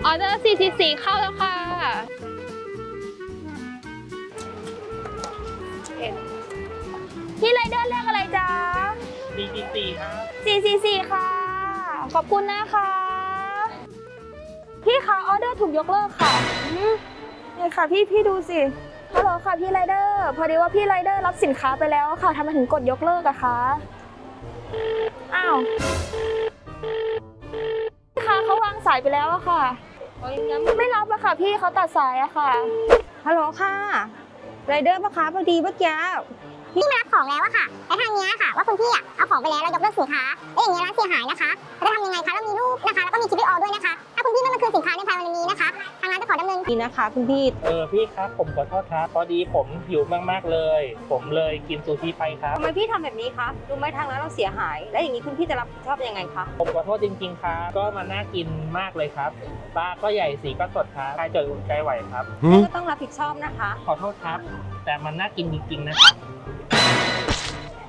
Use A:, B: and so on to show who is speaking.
A: ออเดอร์444เข้าแล้วค่ะพี่ไรเดอร์เรียกอะไรจ๊ะ
B: 444ครับ
A: 444ค่ะขอบคุณนะคะพี่คะออเดอร์ถูกยกเลิกค่ะนี่ค่ะพี่ดูสิฮัลโหลค่ะพี่ไรเดอร์พอดีว่าพี่ไรเดอร์รับสินค้าไปแล้วค่ะทำไมถึงกดยกเลิกอะคะอ้าวพี่คะเขาวางสายไปแล้วอะค่ะไม่รับอะค่ะพี่เขาตัดสายอะค่ะ
C: ฮัลโหลค่ะไรเดอร์ปะคะพอดีเมื่อกี้
D: พี่มารับของแล้วอะค่ะแต่ทางเนี้ยค่ะว่าคุณพี่อะเอาของไปแล้วเรายกเลิกสินค้าแล้วอย่างเงี้ยร้านเสียหายนะคะเราจะทำยังไงคะเรามีรูปนะคะแล้วก็มีคลิปวิดีโอด้วยนะคะถ้าคุณพี่ไม่มาคืนสินค้าในภายในวันนี้นะคะทางร้านจะขอดำเนิน
C: ดีนะคะคุณพี่
B: พี่ครับผมขอโทษครับพอดีผมหิวมากๆเลย ผมเลยกินซูชิไปครับ
C: ทำไมพี่ทำแบบนี้คะรู้ไหมทางร้านเราเสียหาย แล้วอย่างนี้คุณพี่จะรับผิดชอบยังไงคะ
B: ผมขอโทษจริงๆครับก็มันน่ากินมากเลยครับปลาก็ใหญ่สีก็สดครับใครจะอุ่นใจไหวครับ
C: พี่ก็ต้องรับผิดชอบนะคะ
B: ขอโทษครับ แต่มันน่ากินจริงๆนะครับ